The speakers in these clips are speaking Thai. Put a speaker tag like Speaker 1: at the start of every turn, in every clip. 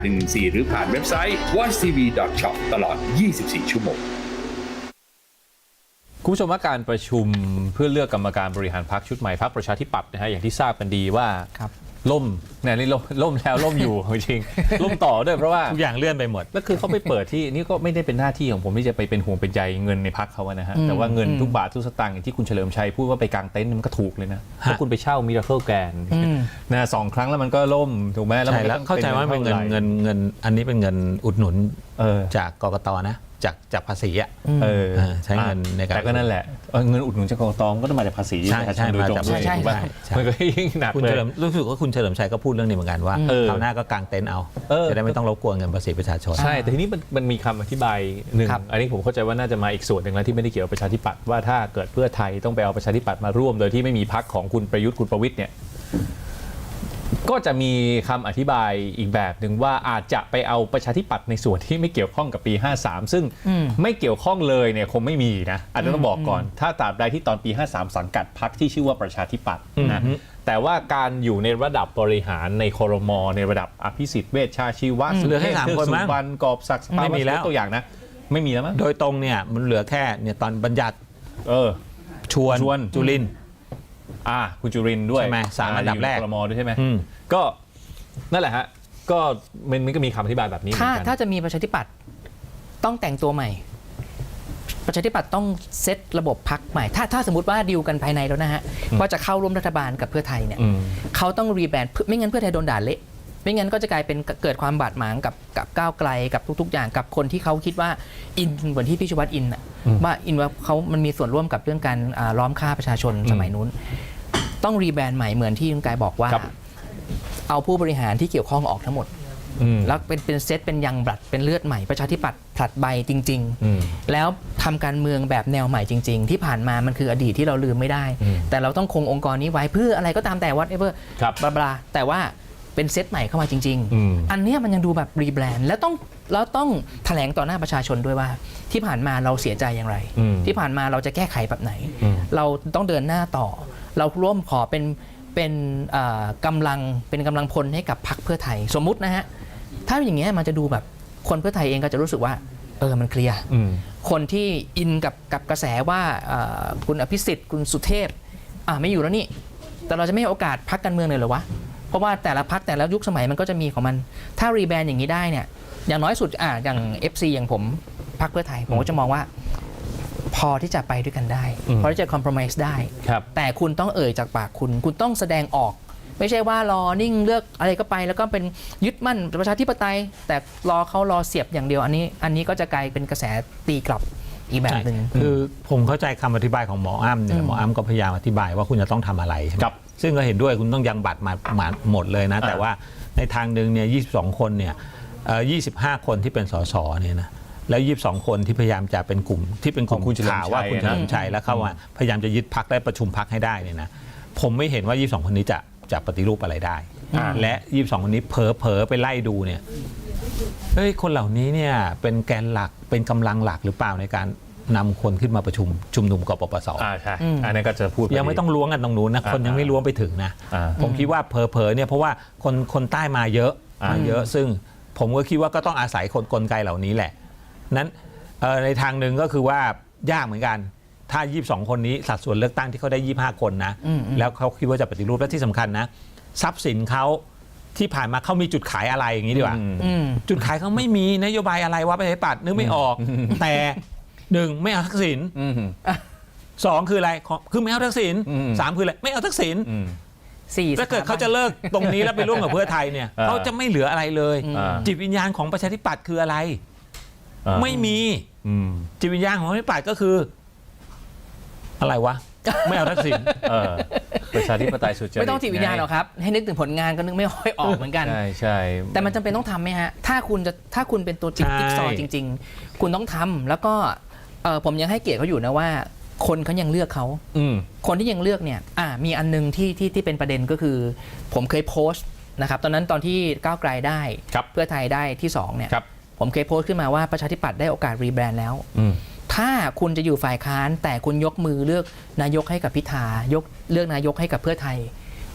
Speaker 1: 114หรือผ่านเว็บไซต์ watchtv.shop ตลอด 24 ชั่วโมง
Speaker 2: คุณผู้ชมว่าการประชุมเพื่อเลือกกรรมการบริหารพรรคชุดใหม่พรรคประชาธิปัตย์นะฮะอย่างที่ทราบกันดีว่าล่มเนี่ยนี่ล่มแล้วล่มอยู่จริงล่มต่อด้วยเพราะว่า
Speaker 3: ทุกอย่างเลื่อนไปหมด
Speaker 2: แล้วคือเขาไปเปิดที่นี่ก็ไม่ได้เป็นหน้าที่ของผมที่จะไปเป็นห่วงเป็นใยเงินในพรรคเขานะฮะแต่ว่าเงินทุกบาททุกสตางค์อย่างที่คุณเฉลิมชัยพูดว่าไปกางเต็นท์มันก็ถูกเลยนะเพราะคุณไปเช่ามิราเคิลแกรนด์นะ2 ครั้งแล้วมันก็ล่มถูกไหม
Speaker 3: แล้วเข้าใจว่าเป็นเงินอันนี้เป็นเงินอุดหนุนจากกกตนะจากภาษีอ่ะใช้เงินในการ
Speaker 2: แต่ก็นั่นแหละเงินอุดหนุนจากกกตก็ต้องมาจากภาษี
Speaker 3: ใช่
Speaker 2: โดยตรง
Speaker 3: ใช่
Speaker 2: มันก็ยิ่งหนักเลย
Speaker 3: รู้สึกว่าคุณเฉลิมชัยก็พูดเรื่องนี้เหมือนกันว่าคราวหน้าก็กางเต็นท์เอาจะได้ไม่ต้องรบกวนเงินภาษีประชาชน
Speaker 2: ใช่แต่ทีนี้มันมีคำอธิบายหนึ่งอันนี้ผมเข้าใจว่าน่าจะมาอีกส่วนหนึ่งแล้วที่ไม่ได้เกี่ยวกับประชาธิปัตย์ว่าถ้าเกิดเพื่อไทยต้องไปเอาประชาธิปัตย์มาร่วมโดยที่ไม่มีพรรคของคุณประยุทธ์คุณประวิตรเนี่ยก็จะมีคำอธิบายอีกแบบหนึ่งว่าอาจจะไปเอาประชาธิปัตย์ในส่วนที่ไม่เกี่ยวข้องกับปี53ซึ่งไม่เกี่ยวข้องเลยเนี่ยคงไม่มีนะอาจจะต้องบอกก่อนถ้าตราบใดที่ตอนปี53สังกัดพรรคที่ชื่อว่าประชาธิปัตย์นะแต่ว่าการอยู่ในระดับบริหารในครม.ในระดับอภิสิทธิ์เวชชาชีวะ
Speaker 3: เหลือแค่3 คนมั้ง
Speaker 2: สุวรรณกอบศักดิ์ไม่มีแล้วตัวอย่างนะไม่มีแล้วมั้ง
Speaker 3: โดยตรงเนี่ยมันเหลือแค่เนี่ยตอนบัญญัติชวนจุลิน
Speaker 2: คุณจุรินทร์ด้วย
Speaker 3: ใช่ไหม3 อันดับแรก
Speaker 2: ครม.ด้วยใช่ไหมก็นั่นแหละฮะก็มันก็มีคำอธิบายแบบนี้
Speaker 4: ถ้าจะมีประชาธิปัตย์ต้องแต่งตัวใหม่ประชาธิปัตย์ต้องเซตระบบพรรคใหม่ถ้าสมมติว่าดีลกันภายในแล้วนะฮะว่าจะเข้าร่วมรัฐบาลกับเพื่อไทยเนี่ยเขาต้องรีแบรนด์ไม่งั้นเพื่อไทยโดนด่าเละไม่งั้นก็จะกลายเป็นเกิดความบาดหมางกับก้าวไกลกับทุกๆอย่างกับคนที่เขาคิดว่าอินเหมือนที่พี่ชูวัฒน์อินว่าเขามันมีส่วนร่วมกับเรื่องการล้อมฆ่าประชาชนสมัยนู้นต้องรีแบรนด์ใหม่เหมือนที่คุณกายบอกว่าเอาผู้บริหารที่เกี่ยวข้องออกทั้งหมดแล้วเป็นเซตเป็นยังบลัดเป็นเลือดใหม่ประชาธิปัตย์ผลัดใบจริงๆแล้วทำการเมืองแบบแนวใหม่จริงๆที่ผ่านมามันคืออดีตที่เราลืมไม่ได้แต่เราต้องคงองค์กรนี้ไว้เพื่ออะไรก็ตามแต่ whatever บลาแต่ว่าเป็นเซตใหม่เข้ามาจริงๆอันนี้มันยังดูแบบรีแบรนด์แล้วต้องแถลงต่อหน้าประชาชนด้วยว่าที่ผ่านมาเราเสียใจอย่างไรที่ผ่านมาเราจะแก้ไขแบบไหนเราต้องเดินหน้าต่อเราร่วมขอเป็นกำลังพลให้กับพรรคเพื่อไทยสมมุตินะฮะถ้าอย่างเงี้ยมันจะดูแบบคนเพื่อไทยเองก็จะรู้สึกว่ามันเคลียร์คนที่อินกับกระแสว่าคุณอภิสิทธิ์คุณสุเทพไม่อยู่แล้วนี่แต่เราจะไม่ให้โอกาสพรรคการเมืองเลยเหรอวะเพราะว่าแต่ละพรรคแต่ละยุคสมัยมันก็จะมีของมันถ้ารีแบรนด์อย่างนี้ได้เนี่ยอย่างน้อยสุดอย่าง FC อย่างผมพรรคเพื่อไทยผมก็จะมองว่าพอที่จะไปด้วยกันได้พอที่จะคอมเพลมไพร์ได้แต่คุณต้องจากปากคุณต้องแสดงออกไม่ใช่ว่ารอนิ่งเลือกอะไรก็ไปแล้วก็เป็นยึดมั่นประชาธิปไตยแต่รอเสียบอย่างเดียวอันนี้ก็จะกลายเป็นกระแสตีกลับอีกแบบหนึ่ง
Speaker 3: คือผมเข้าใจคำอธิบายของหมออ้ำเนี่ยหมออ้ำก็พยายามอธิบายว่าคุณจะต้องทำอะไรใช่ไหมซึ่งก็เห็นด้วยคุณต้องยังบัตรมาหมดเลยนะแต่ว่าในทางหนึ่งเนี่ย22 คนเนี่ย25 คนที่เป็นสสเนี่ยนะแล้ว22 คนที่พยายามจะเป็นกลุ่มที่เป็นกลุ่มข่าวว่าคุณเฉลิมชัยแล้วเข้ามาพยายามจะยึดพรรคได้ประชุมพรรคให้ได้เนี่ยนะผมไม่เห็นว่า22 คนนี้จะปฏิรูปอะไรได้และ22 คนนี้เผลอไปไล่ดูเนี่ยคนเหล่านี้เนี่ยเป็นแกนหลักเป็นกำลังหลักหรือเปล่าในการนำคนขึ้นมาประชุมนุมกปปส.
Speaker 2: ใช่อันนั้นก็จะพูด
Speaker 3: ยังไม่ต้องล้วงกันตรงนู้นนะคนยังไม่ล้วงไปถึงนะผมคิดว่าเผลอเนี่ยเพราะว่าคนใต้มาเยอะซึ่งผมก็คิดว่าก็ต้องอาศัยกลไกเหล่านี้แหละนั้นในทางหนึ่งก็คือว่ายากเหมือนกันถ้า22 คนนี้สัดส่วนเลือกตั้งที่เขาได้25 คนนะแล้วเขาคิดว่าจะปฏิรูปและที่สำคัญนะทรัพย์สินเขาที่ผ่านมาเขามีจุดขายอะไรอย่างนี้ดีกว่าจุดขายเขาไม่มีนโยบายอะไรวะประชาธิปัตย์นึกไม่ออกแต่1ไม่เอาทักษิณ2คืออะไรคือไม่เอาทักษิณ3คืออะไรไม่เอาทักษิณถ้าเกิดเขาจะเลิกตรงนี้แล้วไปร่วมกับเพื่อไทยเนี่ยเขาจะไม่เหลืออะไรเลยจิตวิญญาณของประชาธิปัตย์คืออะไรไม่มีจิตวิญญาณของประชาธิปัตย์ก็คืออะไรวะไม่เอาทักษิณ
Speaker 2: ประชาธิปไตยสุจริต
Speaker 4: ไม่ต้องจิตวิญญาณหรอกครับให้นึกถึงผลงานก็นึกไม่ค่อยออกเหมือนกัน
Speaker 2: ใช่
Speaker 4: แต่มันจำเป็นต้องทำไหมฮะถ้าคุณเป็นตัวจิ๊กซอว์จริงๆคุณต้องทำแล้วก็ผมยังให้เกียรติเขาอยู่นะว่าคนเขายังเลือกเขาคนที่ยังเลือกเนี่ยมีอันนึงที่เป็นประเด็นก็คือผมเคยโพสต์นะครับตอนที่ก้าวไกลได้เพื่อไทยได้ที่2เนี่ยผมเคยโพสต์ขึ้นมาว่าประชาธิปัตย์ได้โอกาสรีแบรนด์แล้วถ้าคุณจะอยู่ฝ่ายค้านแต่คุณยกมือเลือกนายกให้กับพิธายกเลือกนายกให้กับเพื่อไทย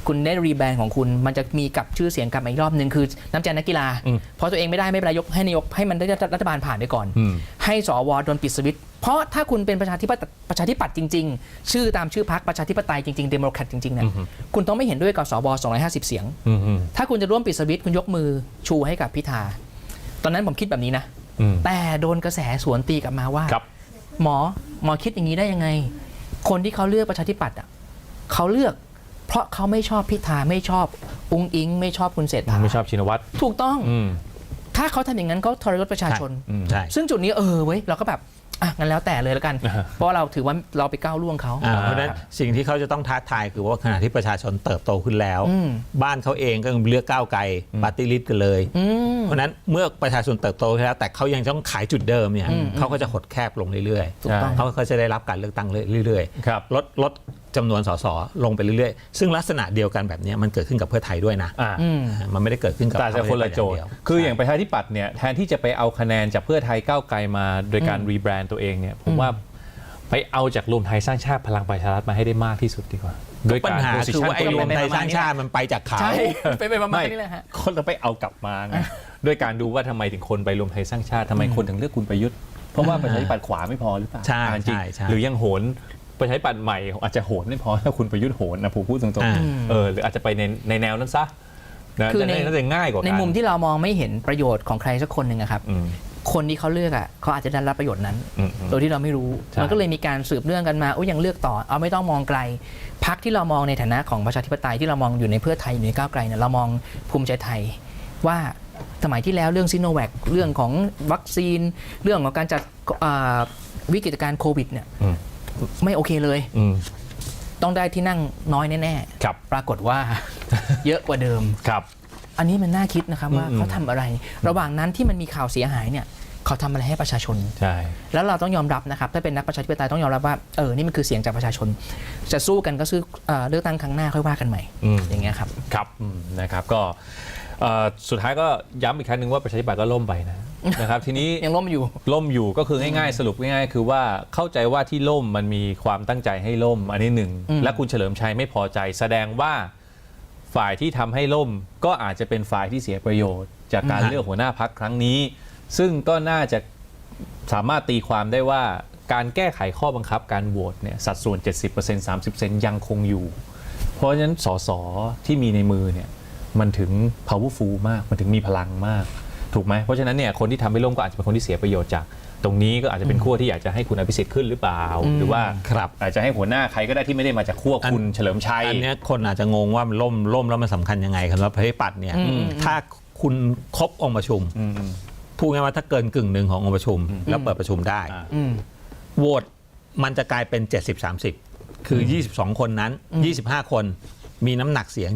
Speaker 4: คุณได้รีแบรนด์ของคุณมันจะมีกลับชื่อเสียงกลับมาอีกรอบหนึ่งคือน้ำใจนักกีฬาเพราะตัวเองไม่ได้ไม่เป็นไรยกให้นายกให้มันได้รัฐบาลผ่านไปก่อน ให้สวโดนปิดสวิตช์เพราะถ้าคุณเป็นประชาธิปัตย์จริงๆชื่อตามชื่อพรรคประชาธิปไตยจริงๆเดโมแครตจริงๆเนี่ยคุณต้องไม่เห็นด้วยกับสว250 เสียงถ้าคุณจะร่วมปิดสวิตช์คุณยกมือชูให้กับพิธาตอนนั้นผมคิดแบบนี้นะแต่โดนกระแสสวนตีกลับมาว่าหมอคิดอย่างนี้ได้ยังไงคนที่เขาเลือกประชาธิปัตย์เขาเลือกเพราะเขาไม่ชอบพิธาไม่ชอบอุ๊งอิงไม่ชอบคุณเศรษฐา
Speaker 2: ไม่ชอบชินวัตร
Speaker 4: ถูกต้องถ้าเขาทำอย่างนั้นเขาทรยศประชาชนซึ่งจุดนี้เว้ยเราก็แบบงั้นแล้วแต่เลยแล้วกันเพราะเราถือว่าเราไปก้าวล่วงเขา
Speaker 3: เพราะฉะนั้นสิ่งที่เขาจะต้องท้าทายคือว่าขณะที่ประชาชนเติบโตขึ้นแล้วบ้านเขาเองก็เลือกก้าวไกลปาร์ตี้ลิสต์กันเลยเพราะนั้นเมื่อประชาชนเติบโตขึ้นแล้วแต่เขายังต้องขายจุดเดิมเนี่ยเขาก็จะหดแคบลงเรื่อยๆเขาก็จะได้รับการเลือกตั้งเรื่อยๆลดจำนวนสสลงไปเรื่อยๆซึ่งลักษณะเดียวกันแบบนี้มันเกิดขึ้นกับเพื่อไทยด้วยนะมันไม่ได้เกิดขึ้นกับ
Speaker 2: แต่คนละโจทย์คืออย่างประชาธิปัตย์เนี่ยแทนที่จะไปเอาคะแนนจากเพื่อไทยก้าวไกลมาโดยการรีแบรนด์ตัวเองเนี่ยผมว่าไปเอาจากรวมไทยสร้างชาติพลังประชารัฐมาให้ได้มากที่สุดดีกว่าโดยการ
Speaker 3: ปัญหาคือว่าไอ้รวมไทยสร้างชาติมันไปจากเขา
Speaker 4: ไปประมาณนี้แหละฮะ
Speaker 2: คนเราไปเอากลับมาไงด้วยการดูว่าทำไมถึงคนไปรวมไทยสร้างชาติทำไมคนถึงเลือกคุณประยุทธ์เพราะว่าประชาธิปัตย์ขวาไม่พอหรือเปล่า
Speaker 3: ใช่
Speaker 2: หรือยังโหนประชาธิปัตย์ใหม่อาจจะโหนไม่พอถ้าคุณประยุทธ์โหนนะผมพูดตรงๆหรืออาจจะไปในแนวนั้นซะ
Speaker 4: คือ
Speaker 2: น่าจะง่ายกว่า
Speaker 4: ในมุมที่เรามองไม่เห็นประโยชน์ของใครสักคนหนึ่งครับคนที่เขาเลือกเขาอาจจะได้รับประโยชน์นั้นโดยที่เราไม่รู้มันก็เลยมีการสืบเนื่องกันมายังเลือกต่อเอาไม่ต้องมองไกลพรรคที่เรามองในฐานะของประชาธิปไตยที่เรามองอยู่ในเพื่อไทยอยู่ในก้าวไกลเนี่ยเรามองภูมิใจไทยว่าสมัยที่แล้วเรื่องซิโนแวคเรื่องของวัคซีนเรื่องของการจัดวิกฤตการณ์โควิดเนี่ยไม่โอเคเลยต้องได้ที่นั่งน้อยแน่ๆปรากฏว่าเยอะกว่าเดิมอันนี้มันน่าคิดนะครับว่าเขาทำอะไรระหว่างนั้นที่มันมีข่าวเสียหายเนี่ยเขาทำอะไรให้ประชาชน
Speaker 2: ใช่
Speaker 4: แล้วเราต้องยอมรับนะครับถ้าเป็นนักประชาธิปไตยต้องยอมรับว่านี่มันคือเสียงจากประชาชนจะสู้กันก็ซื้อเลือกตั้งครั้งหน้าค่อยว่ากันใหม่อย่างเงี้ยครับ
Speaker 2: ครับนะครับก็สุดท้ายก็ย้ำอีกครั้งหนึ่งว่าประชาธิปัตย์ก็ล่มไปนะครับทีนี้
Speaker 4: ยังล่มอยู่
Speaker 2: ก็คือง่ายๆสรุปง่ายๆคือว่าเข้าใจว่าที่ล่มมันมีความตั้งใจให้ล่มอันนี้หนึ่งและคุณเฉลิมชัยไม่พอใจแสดงว่าฝ่ายที่ทำให้ล่มก็อาจจะเป็นฝ่ายที่เสียประโยชน์จากการเลือกหัวหน้าพรรคครั้งนี้ซึ่งก็น่าจะสามารถตีความได้ว่าการแก้ไขข้อบังคับการโหวตเนี่ยสัดส่วน 70% 30% ยังคงอยู่เพราะฉะนั้นสสที่มีในมือเนี่ยมันถึง powerful มากมันถึงมีพลังมากถูกไหมเพราะฉะนั้นเนี่ยคนที่ทำให้ล่มก็อาจจะเป็นคนที่เสียประโยชน์จากตรงนี้ก็อาจจะเป็นขั้วที่อยากจะให้คุณอภิสิทธิ์ขึ้นหรือเปล่าหรือว่าอาจจะให้หัวหน้าใครก็ได้ที่ไม่ได้มาจากขั้วคุณเฉลิมชัย
Speaker 3: อันนี้คนอาจจะงงว่ามันล่มแล้วมันสำคัญยังไงครับว่าประชาธิปัตย์เนี่ยถ้าคุณครบองค์ประชุมพูดง่ายว่าถ้าเกินกึ่งหนึ่งขององค์ประชุมแล้วเปิดประชุมได้โหวตมันจะกลายเป็น 70-30 คือ22คนนั้น25คนมีน้ำหนักเสียง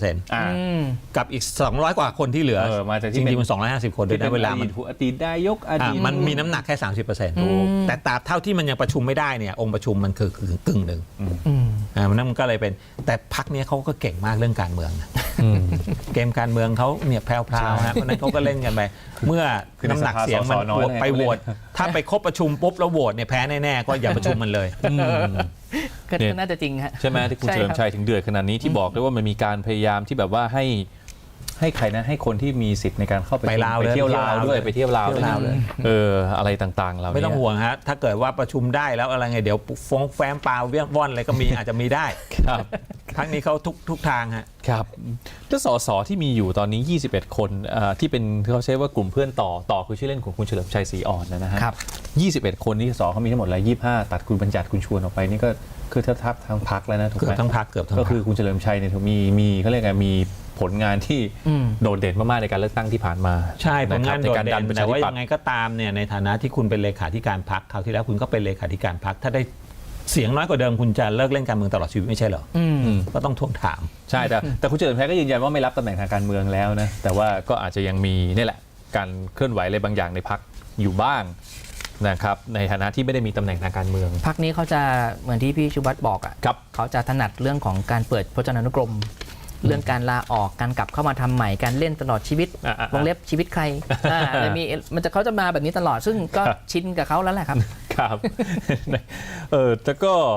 Speaker 3: 70% กับอีก200กว่าคนที่เหลือจริงๆมัน250คนด้วยนะเวลามัน
Speaker 2: อดีตนายก
Speaker 3: มันมีน้ำหนักแค่ 30% แต่ตราบเท่าที่มันยังประชุมไม่ได้เนี่ยองค์ประชุมมันคือกึ่งหนึ่งมันก็เลยเป็นแต่พรรคนี้เขาก็เก่งมากเรื่องการเมืองเกมการเมืองเขาเนี่ยแพรวๆฮะเพราะนั้นเขาก็เล่นกันไปเมื่อน้ำหนักเสียงมันไปโหวตถ้าไปครบประชุมปุ๊บแล้วโหวตเนี่ยแพ้แน่ๆก็อย่าประชุมมันเลย
Speaker 4: ก็น่าจะจริงฮะ
Speaker 2: ใช่ไหมที่คุณเฉลิมชัยถึงเดือดขนาดนี้ที่บอกด้วยว่ามันมีการพยายามที่แบบว่าให้ใครนะให้คนที่มีสิทธิ์ในการเข้าไปเที่ยวลาวด้วยไปเที่ยวลาวเลยอะไรต่างๆเรา
Speaker 3: ไม่ต้องห่วงฮะถ้าเกิดว่าประชุมได้แล้วอะไรไงเดี๋ยวฟ้องแฟ้มปลาเวี้ยงว่อนอะไรก็มีอาจจะมีได้
Speaker 2: ครับ
Speaker 3: ครั้งนี้เขาทุกทางฮะ
Speaker 2: ครับแล้วสสที่มีอยู่ตอนนี้21คนที่เป็นเขาใช้ว่ากลุ่มเพื่อนต่อคือชื่อเล่นของคุณเฉลิมชัยศรีอ่อนนะฮะ21คนนี้สเขามีทั้งหมดแล้ว25ตัดคุณบัญญัติคุณชวนออกไปนี่ก็คือทับทั้งพรรคแล้วนะถูกไหม
Speaker 3: ทั้งพรรคเกือบทั้ง
Speaker 2: ก็คือคุณเฉลิมชัยเนี่ยมีเขาเรียกไงมีผลงานที่โดดเด่นมากๆในการเลือกตั้งที่ผ่านมา
Speaker 3: ใช่ผลงานโดดเด่นแต่ว่ายังไงก็ตามเนี่ยในฐานะที่คุณเป็นเลขาธิการพรรคคราวที่แล้วคุณก็เป็นเลขาธิการพรรคถ้าได้เสียงน้อยกว่าเดิมคุณจะเลิกเล่นการเมืองตลอดชีวิตไม่ใช่เหรอก็ต้องทวงถาม
Speaker 2: ใช่แต่คุณเฉลิมชัยก็ยืนยันว่าไม่รับตำแหน่งทางการเมืองแล้วนะแต่ว่าก็อาจจะยังมีนี่แหละการเคลื่อนไหวอะไรบางอย่างในพรรคอยู่บ้างนะครับในฐานะที่ไม่ได้มีตำแหน่งทางการเมือง
Speaker 4: พรรคนี้เขาจะเหมือนที่พี่ชูวัฒน์บอกเขาจะถนัดเรื่องของการเปิดพจนานุกรมเรื่องการลาออกการกลับเข้ามาทำใหม่การเล่นตลอดชีวิตวงเล็บชีวิตใครเขาจะมาแบบนี้ตลอดซึ่งก็ชินกับเขาแล้วแหละครับ
Speaker 2: ครับแต่ก็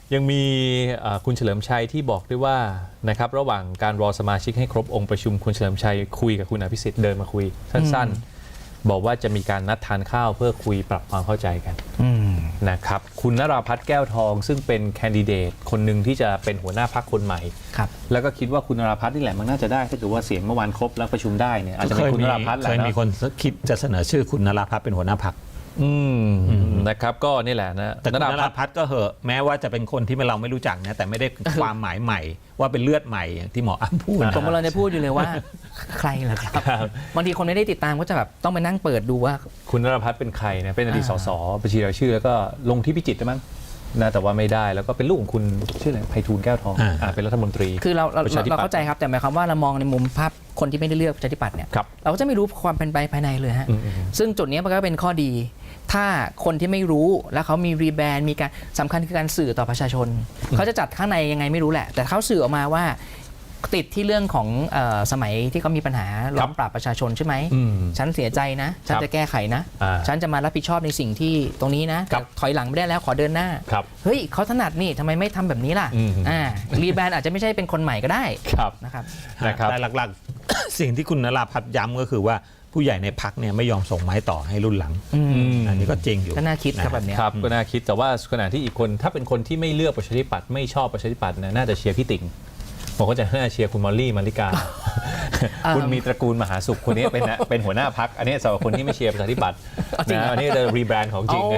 Speaker 2: ยังมีคุณเฉลิมชัยที่บอกด้วยว่านะครับระหว่างการรอสมาชิกให้ครบองค์ประชุมคุณเฉลิมชัยคุยกับคุณอภิสิทธิ์เดินมาคุยสั้นๆบอกว่าจะมีการนัดทานข้าวเพื่อคุยปรับความเข้าใจกันนะครับคุณนราพัฒน์แก้วทองซึ่งเป็นแคนดิเดตคนหนึ่งที่จะเป็นหัวหน้าพรรคคนใหม่แล้วก็คิดว่าคุณนราพัฒน์นี่แหละมันน่าจะได้ถ้าเกิดว่าเสียงเมื่อวานครบแล้วประชุมได้เนี่ยอาจจะเป็นคุณนราพัฒน์แหละ
Speaker 3: เคยมีคนคิดจะเสนอชื่อคุณนราพัฒน์เป็นหัวหน้าพรรค
Speaker 2: นะครับก็นี่แหละนะ
Speaker 3: แต่คุณนราพัฒน์ก็เหอะแม้ว่าจะเป็นคนที่เราไม่รู้จักนะแต่ไม่ได้ความหมายใหม่ว่าเป็นเลือดใหม่อย่างที่หมออ้ำพูด
Speaker 4: ผมกำลังจะพูดอยู่เลยว่าใครเหรอครับบางทีคนไม่ได้ติดตามก็จะแบบต้องไปนั่งเปิดดูว่า
Speaker 2: คุณนราพัฒน์เป็นใครนะเป็นอดีตสสบัญชีรายชื่อแล้วก็ลงที่พิจิตรมั้งนะแต่ว่าไม่ได้แล้วก็เป็นลูกของคุณชื่ออะไรไพฑูรย์แก้วทองเป็นรัฐมนตรี
Speaker 4: คือเราเข้าใจครับแต่หมายความว่าเรามองในมุมภาพคนที่ไม่ได้เลือกประชาธิปัตย์เนี่ยเราก็จะไม่รู้ความเป็นไปภายในเลยฮะซึ่งจุดนี้มันก็เป็นข้อดีถ้าคนที่ไม่รู้แล้วเขามีรีแบรนด์มีการสำคัญคือการสื่อต่อประชาชนเขาจะจัดข้างในยังไงไม่รู้แหละแต่เขาสื่อออกมาว่าติดที่เรื่องของสมัยที่เขามีปัญหาล้อมปราบประชาชนใช่ไหมฉันเสียใจนะฉันจะแก้ไขนะฉันจะมารับผิดชอบในสิ่งที่ตรงนี้นะถอยหลังไม่ได้แล้วขอเดินหน้าเฮ้ยเขาถนัดนี่ทำไมไม่ทำแบบนี้ล่ะรีแบรนด์อาจจะไม่ใช่เป็นคนใหม่ก็ได้นะครับ
Speaker 3: แต่หลักๆ สิ่งที่คุณนราพัฒน์ย้ำก็คือว่าผู้ใหญ่ในพรรคเนี่ยไม่ยอมส่งไม้ต่อให้รุ่นหลังอันนี้ก็จริงอยู่
Speaker 4: ก็น่าคิดครับแบบนี้
Speaker 2: ครับก็น่าคิดแต่ว่าขณะที่อีกคนถ้าเป็นคนที่ไม่เลือกประชาธิปัตย์ไม่ชอบประชาธิปัตย์น่าจะเชียร์พี่ติ๋งผมก็จะน่าเชียร์คุณมอลลี่มาริกาคุณมีตระกูลมหาสุขคนนี้เป็นหัวหน้าพรรคอันนี้สำหรับคนที่ไม่เชียร์ประชาธิปัตย์นะอันนี้จะรีแบรนด์ของจริง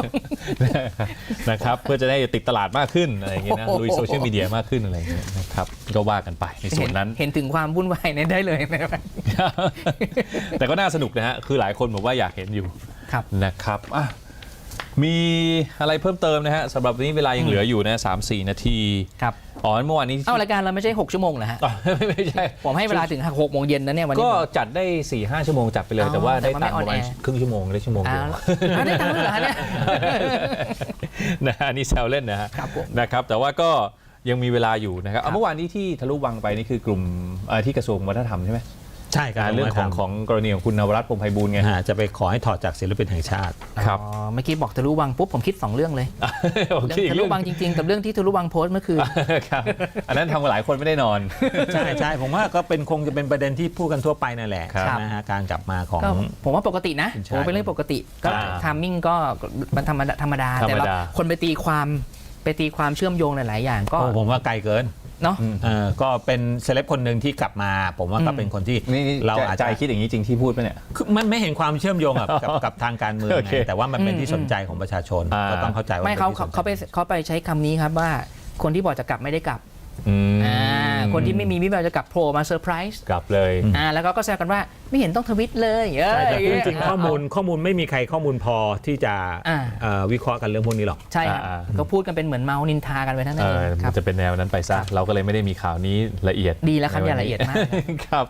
Speaker 2: นะครับเพื่อจะได้ติดตลาดมากขึ้นอะไรอย่างเงี้ยนะลุยโซเชียลมีเดียมากขึ้นอะไรอย่างเงี้ยนะครับก็ว่ากันไปในส่วนนั้น
Speaker 4: เห็นถึงความวุ่นวายได้เลยนะครับ
Speaker 2: แต่ก็น่าสนุกนะฮะคือหลายคนบอกว่าอยากเห็นอยู่นะครับมีอะไรเพิ่มเติมนะฮะสำหรับวันนี้เวลายังเหลืออยู่นะ 3-4 นาที
Speaker 4: ครับ
Speaker 2: อ๋อเมื่อวานนี้
Speaker 4: รายการเราไม่ใช่6ชั่วโมงเหรอฮะ
Speaker 2: ไม่ใช่
Speaker 4: ผมให้เวลาถึง6โมงเย็นนะเนี่ยวันนี้
Speaker 2: ก็จัดได้ 4-5 ชั่วโมงจัดไปเลยแต่ว่าได้ตังค์ประมาณครึ่งชั่วโมงได้ชั่วโมงเดียว
Speaker 4: ได้ตังค์เหรอเนี่ย
Speaker 2: นะอันนี้แซวเล่นนะฮะนะครับแต่ว่าก็ยังมีเวลาอยู่นะครับเมื่อวานนี้ที่ทะลุวังไปนี่คือกลุ่มที่กระทรวงวัฒนธรรมใช่ไหม
Speaker 3: ใช่
Speaker 2: การเรื่องของกรณีของคุณนวรัตน์ พงษ์ไพบูลย์ไง
Speaker 3: จะไปขอให้ถอดจากศิลปินแห่งชาติ
Speaker 2: ครับ
Speaker 4: เมื่อกี้บอกทะลุวังปุ๊บผมคิด2เรื่องเลยทะลุวังจริงๆกับเรื่องที่ทะลุวังโพสต์เมื่อคืน
Speaker 2: ครับอันนั้นทำกับหลายคนไม่ได้นอน
Speaker 3: ใช่ผมว่าก็คงจะเป็นประเด็นที่พูดกันทั่วไปนั่นแหละนะฮะการกลับมาของ
Speaker 4: ผมว่าปกตินะผมเป็นเรื่องปกติก็ทามมิ่งก็มันธรรมดาแต่เราคนไปตีความเชื่อมโยงหลายๆอย่างก็
Speaker 3: ผมว่าไกลเกิน
Speaker 4: เนาะ
Speaker 3: ก็เป็นเซเลบคนหนึ่งที่กลับมาผมว่าก็เป็นคนที่
Speaker 2: เราอาจจะคิดอย่างนี้จริงที่พูดไหมเนี่ย
Speaker 3: มันไม่เห็นความเชื่อมโยงกับทางการเมืองแต่ว่ามันเป็นที่สนใจของประชาชนก็ต้องเข้าใจว่า
Speaker 4: ไม่เขาไปใช้คำนี้ครับว่าคนที่บอกจะกลับไม่ได้กลับคนที่ไม่มีวิบากจะกลับโผล่มาเซอร์ไพรส์
Speaker 2: กลับเลย
Speaker 4: แล้วก็แซวกันว่าไม่เห็นต้องทวิตเลย
Speaker 3: จริงๆข้อมูลไม่มีใครข้อมูลพอที่จะวิเคราะห์กันเรื่องพวกนี้หรอก
Speaker 4: ใช่ก็พูดกันเป็นเหมือนเมานินทากันไปทั้งนั้น
Speaker 2: มันจะเป็นแนวนั้นไปซะเราก็เลยไม่ได้มีข่าวนี้ละเอียด
Speaker 4: ดีแล้วครับอย่าละเอียดมาก
Speaker 2: ครับ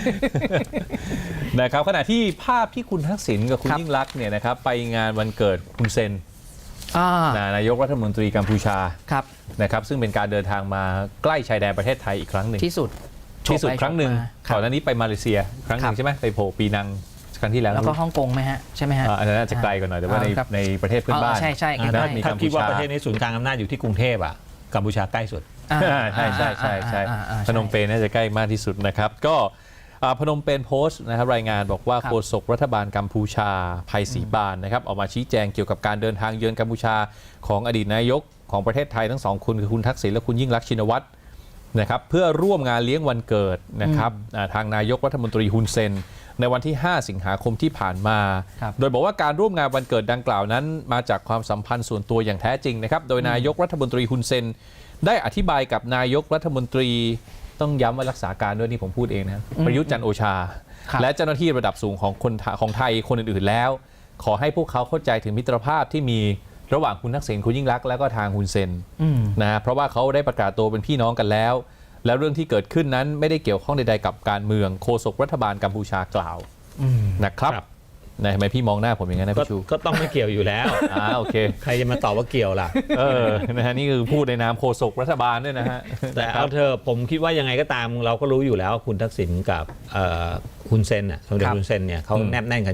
Speaker 2: นะครับขณะที่ภาพที่คุณทักษิณกับคุณยิ่งลักษณ์เนี่ยนะครับไปงานวันเกิดคุณเซนนายกรัฐมนตรีกัมพูชานะครับซึ่งเป็นการเดินทางมาใกล้ชายแดนประเทศไทยอีกครั้งหนึ่ง
Speaker 4: ที่สุด
Speaker 2: ครั้งหนึ่งก่อนหน้านี้ไปมาเลเซียครั้งหนึ่งใช่ไหมไปโผล่ปีนังครั้งที่แล้ว
Speaker 4: แล้วก็ฮ่องกงไหมฮะใช่ไหมฮะ
Speaker 2: อันนั้นอาจจะไกลกว่าหน่อยแต่ว่าในประเทศเพื่อนบ้าน
Speaker 4: ใช่
Speaker 3: ถ้าคิดว่าประเทศนี้ศูนย์กลางอำนาจอยู่ที่กรุงเทพกัมพูชาใกล้สุด
Speaker 2: ใช่พนมเปญน่าจะใกล้มากที่สุดนะครับก็พนมเปญโพสต์นะครับรายงานบอกว่าโฆษกรัฐบาลกัมพูชาไพศรีบานนะครับออกมาชี้แจงเกี่ยวกับการเดินทางเยือนกัมพูชาของอดีตนายกของประเทศไทยทั้งสองคนคือคุณทักษิณและคุณยิ่งลักษณ์ชินวัตรนะครับเพื่อร่วมงานเลี้ยงวันเกิดนะครับทางนายกรัฐมนตรีฮุนเซนในวันที่5สิงหาคมที่ผ่านมาโดยบอกว่าการร่วมงานวันเกิดดังกล่าวนั้นมาจากความสัมพันธ์ส่วนตัวอย่างแท้จริงนะครับโดยนายกรัฐมนตรีฮุนเซนได้อธิบายกับนายกรัฐมนตรีต้องย้ำว่ารักษาการด้วยนี่ผมพูดเองนะประยุทธ์จันทร์โอชาและเจ้าหน้าที่ระดับสูงของไทยคนอื่นๆแล้วขอให้พวกเขาเข้าใจถึงมิตรภาพที่มีระหว่างคุณทักษิณคุณยิ่งลักษณ์และก็ทางฮุนเซนนะเพราะว่าเขาได้ประกาศตัวเป็นพี่น้องกันแล้วแล้วเรื่องที่เกิดขึ้นนั้นไม่ได้เกี่ยวข้องใดๆกับการเมืองโฆษกรัฐบาลกัมพูชากล่าวนะครับนะทำไมพี่มองหน้าผมอย่างนั้นนะพี่ชู
Speaker 3: ก็ต้องไม่เกี่ยวอยู่แล้ว
Speaker 2: โอเค
Speaker 3: ใครจะมาตอบว่าเกี่ยวล่ะ
Speaker 2: นะฮะนี่คือพูดในนามโฆษกรัฐบาลด้วยนะฮะ
Speaker 3: แต่เอาเธอผมคิดว่ายังไงก็ตามเราก็รู้อยู่แล้วคุณทักษิณกับฮุนเซนสมเด็จฮุนเซนเนี่ยเขาแนบแน่นกันอยู่แล้ว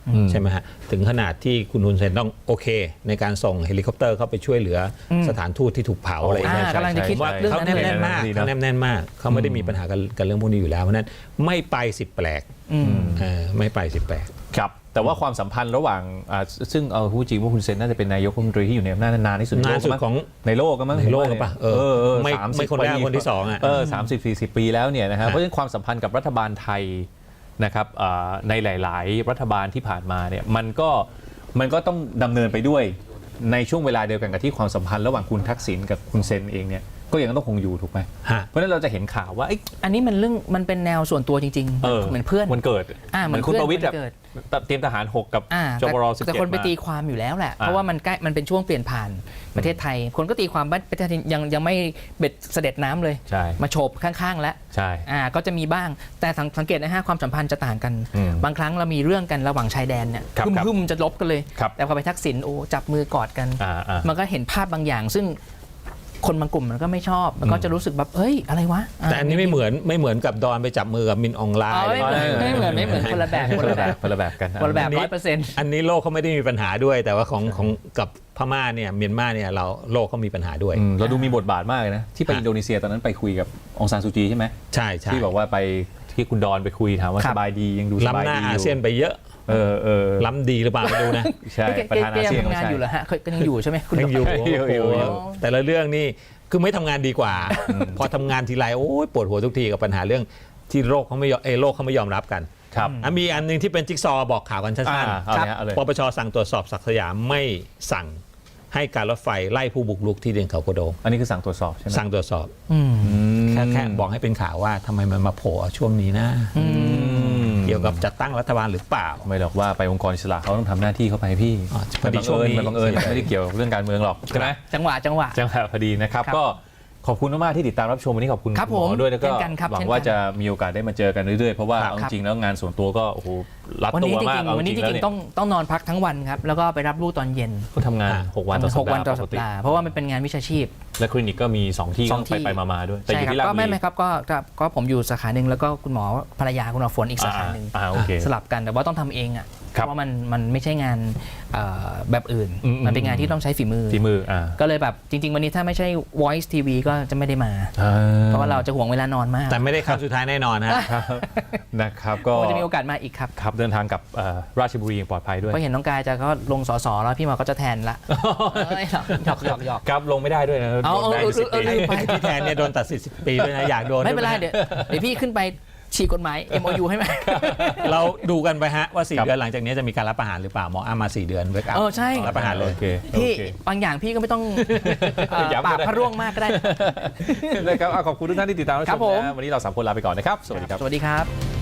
Speaker 3: ใช่ไหมฮะถึงขนาดที่คุณฮุนเซนต้องโอเค ในการส่งเฮลิคอปเตอร์เข้าไปช่วยเหลือสถานทูตที่ถูกเผาอะไรอย่างเงี้ย
Speaker 4: กำลังจะคิด
Speaker 3: ว่า
Speaker 4: เรื่อง
Speaker 3: เขา
Speaker 4: นั้น
Speaker 3: แน่นมากเขาแน่นมากเขาไม่ได้มีปัญหากับเรื่องพวกนี้อยู่แล้วเพราะนั้นไม่ไปสิแปลกไม่ไปสิแปลก
Speaker 2: ครับแต่ว่าความสัมพันธ์ระหว่างซึ่งเอาพูดจริงว่าคุณเซนน่าจะเป็นนายกรัฐมนตรีที่อยู่ในอำนาจนานที่สุด
Speaker 3: นานสุดของ
Speaker 2: ในโลกก็มั้ง
Speaker 3: ในโลกหรือเปล่าไม่
Speaker 2: 30
Speaker 3: ไม่คนแรกคนที่สองอ่ะ
Speaker 2: 30-40 ปีแล้วเนี่ยนะครับเพราะฉะนั้นความสัมพันธ์กับรัฐบาลไทยนะครับในหลายๆ รัฐบาลที่ผ่านมาเนี่ยมันก็ต้องดำเนินไปด้วยในช่วงเวลาเดียวกันกับที่ความสัมพันธ์ระหว่างคุณทักษิณกับคุณเซนเองเนี่ยก็ยังต้องคงอยู่ถูกไหม
Speaker 3: ฮะ
Speaker 2: เพราะฉะนั้นเราจะเห็นข่าวว่า
Speaker 4: อันนี้มันเรื่องมันเป็นแนวส่วนตัวจริงๆเหมือนเพื่อน
Speaker 2: มันเกิด
Speaker 4: เหมือน
Speaker 2: คุณประวิตร
Speaker 4: เพื่
Speaker 2: แบ
Speaker 4: อน
Speaker 2: บเตรียมทหาร 6 กับจบร17
Speaker 4: แต่คนไปตีความอยู่แล้วแหละ เพราะว่ามันใกล้มันเป็นช่วงเปลี่ยนผ่านประเทศไทย คนก็ตีความว่าประเทศไทยยังไม่เบ็ดเสด็จน้ำเลย
Speaker 2: ใช่
Speaker 4: มาโฉบข้างๆแล้ว
Speaker 2: ใช่
Speaker 4: ก็จะมีบ้างแต่สังเกตนะฮะความสัมพันธ์จะต่างกัน บางครั้งเรามีเรื่องกันระหว่างชายแดนเนี่ย
Speaker 2: ครับ
Speaker 4: หึ่มจะลบกันเลย
Speaker 2: ครับ
Speaker 4: แต่พอไปทักษิณโอ้จับมือกอดกัน มันก็เห็นภาพบางอย่าง ซึ่งคนบางกลุ่มมันก็ไม่ชอบมันก็จะรู้สึกแบบเฮ้ยอะไรวะ
Speaker 3: แต่อันนี้ไม่เหมือนกับดอนไปจับมือกับมินอองไลน์
Speaker 4: ไม่เหมือนคนละแบบ
Speaker 2: คนละแบบกัน
Speaker 4: คนละแบบ100%
Speaker 3: อันนี้โลกเขาไม่ได้มีปัญหาด้วย แต่ว่าของกับพม่าเนี่ยเมียนมาเนี่ยโลกเขามีปัญหาด้วย
Speaker 2: เราดูมีบทบาทมากเลยนะที่ไปอินโดนีเซียตอนนั้นไปคุยกับองซานซูจีใช่ไหม
Speaker 3: ใช่ใช่
Speaker 2: ที่บอกว่าไปที่คุณดอนไปคุยถามว่า
Speaker 4: ครั
Speaker 2: ส
Speaker 4: บ
Speaker 2: บายดียังดูสบาย
Speaker 3: ล้ำหน้า
Speaker 2: ดี
Speaker 3: อาเซียนไปเยอะล้ำดีหรือเปล่าไม่รู้นะ
Speaker 2: ใช่ประธานอาเซียน
Speaker 4: ทำงานอยู่เหรอฮะก็ยังอยู่ใช่ไหมคุณ
Speaker 3: ยังอยู่
Speaker 2: อยู่
Speaker 3: โอ้โหแต่ละเรื่องนี่คือไม่ทำงานดีกว่า พอทำงานทีไรโอ้ยปวดหัวทุกทีกับปัญหาเรื่องที่โลกเขาไม่ยอมรับกัน
Speaker 2: ครับ
Speaker 3: มีอันหนึงที่เป็นจิ๊กซอว์บอกข่าวกันสั้น
Speaker 2: เอาเลยฮะเอาเลย
Speaker 3: ปปชสั่งตรวจสอบศักดิ์สยามไม่สั่งให้การรถไฟไล่ผู้บุกรุกที่เดินเขากระโดง
Speaker 2: อันนี้คือสั่งตรวจสอบใช่ไหม
Speaker 3: สั่งตรวจสอบแค่บอกให้เป็นข่าวว่าทำไมมันมาโผล่ช่วงนี้นะเกี่ยวกับจัดตั้งรัฐบาลหรือเปล่า
Speaker 2: ไม่หรอกว่าไปองค์กรอิสระเขาต้องทำหน้าที่เขาไปพี่
Speaker 3: พอดีช่วงนี้
Speaker 2: มันบังเอิญไม่ได้เกี่ยวกับเรื่องการเมืองหรอกใช่ไหม
Speaker 4: จังหวะ
Speaker 2: จังหวะพอดีนะครับ
Speaker 4: ครับ
Speaker 2: ก็ขอบคุณมากๆที่ติดตามรับชมวันนี้ขอบคุณ
Speaker 4: ครับ
Speaker 2: ณหม
Speaker 4: ผม
Speaker 2: อด้วยแล้วก็
Speaker 4: เช่นกันครับ
Speaker 2: หวัง
Speaker 4: เช่นกัน
Speaker 2: ว่าจะมีโอกาสได้มาเจอกันเรื่อยๆเพราะว่า
Speaker 3: ครับ
Speaker 2: เอาจริงๆแล้วงานส่วนตัวก็โอ้โหรัด
Speaker 4: วัน
Speaker 2: ตั
Speaker 4: นี้
Speaker 2: ว
Speaker 4: จ
Speaker 2: มาก
Speaker 4: ริง
Speaker 2: เอา
Speaker 4: ๆวันนี้
Speaker 2: จ
Speaker 4: จ
Speaker 2: ริงๆแล้ว
Speaker 4: ริง
Speaker 2: เนี่ย
Speaker 4: ๆต้องนอนพักทั้งวันครับแล้วก็ไปรับลูกตอนเย็น
Speaker 2: ก็ทำงาน6 วันต่อสัป
Speaker 4: 6 วัน
Speaker 2: ดา
Speaker 4: ต่อ
Speaker 2: ห์ป
Speaker 4: สั
Speaker 2: ก
Speaker 4: ป
Speaker 2: ติ
Speaker 4: ดาห์เพราะว่ามันเป็นงานวิชาชีพ
Speaker 2: และคลินิกก็มี2ที่
Speaker 4: สองที่
Speaker 2: ไปมาๆด้วยแต่อ
Speaker 4: ใช่
Speaker 2: ยู่
Speaker 4: ครับ
Speaker 2: ที่ราช
Speaker 4: ก็
Speaker 2: บุ
Speaker 4: ไม่
Speaker 2: รี
Speaker 4: ครับก็ผมอยู่สาขาหนึ่งแล้วก็คุณหมอภรรยาคุณหมอฝนอีกสาขาหนึ่ง
Speaker 2: โอเค
Speaker 4: สลับกันแต่ว่าต้องทำเองอ่ะ
Speaker 2: ครั
Speaker 4: เพ
Speaker 2: บ
Speaker 4: ราะว่ามันไม่ใช่งานแบบอื่น มันเป็นงานที่ต้องใช้ฝีมือ
Speaker 2: ฝีมือ
Speaker 4: ก็เลยแบบจริง ๆ วันนี้ถ้าไม่ใช่ Voice TV ก็จะไม่ได้มา เพราะว่าเราจะห่วงเวลานอนมาก
Speaker 3: แต่ไม่ได้ครั้งสุดท้ายแน่นอนฮะ
Speaker 2: นะครับก็
Speaker 4: คงจะมีโอกาสมาอีกครับ
Speaker 2: ครับเดินทางกับราชบุรีอย่างปลอดภัยด้วย
Speaker 4: เพราะเห็นน้องกายจะก็ลงสสแล้วพี่หมอก็จะแทนละหยอก
Speaker 2: ครับลงไม่ได้ด้วยนะ
Speaker 4: เอา
Speaker 2: โดนแบน10 ปี
Speaker 4: ลืมไป
Speaker 3: ที่แทนเนี่ยโดนตัดสิทธิ์10 ปีด้วยนะอยากโดน
Speaker 4: ไม่เป็นไร
Speaker 3: ด้วยะ
Speaker 4: เดี๋ยวพี่ขึ้นไปฉีกกฎหมาย MOU ให้ไหม
Speaker 3: เราดูกันไปฮะว่า
Speaker 2: ครั
Speaker 3: 4
Speaker 2: บ
Speaker 3: เดือนหลังจากนี้จะมีการรับประหารหรือเปล่าหมออ้ามา4 เดือนเวกอัพ
Speaker 4: ใช่
Speaker 3: รับประหารเลย
Speaker 2: โอเค
Speaker 4: พี่
Speaker 2: โอเค
Speaker 4: บางอย่างพี่ก็ไม่ต้อง
Speaker 2: ย้ำก็ได้
Speaker 4: ปากพระร่วงมากก็ได้
Speaker 2: นะครับขอบคุณทุกท่านที่ติดตามรับช
Speaker 4: ครับ
Speaker 2: ม
Speaker 4: ผม
Speaker 2: นะวันนี้เรา3 คนลาไปก่อนนะครับ สวัสดีครับ
Speaker 4: สวัสดีครับ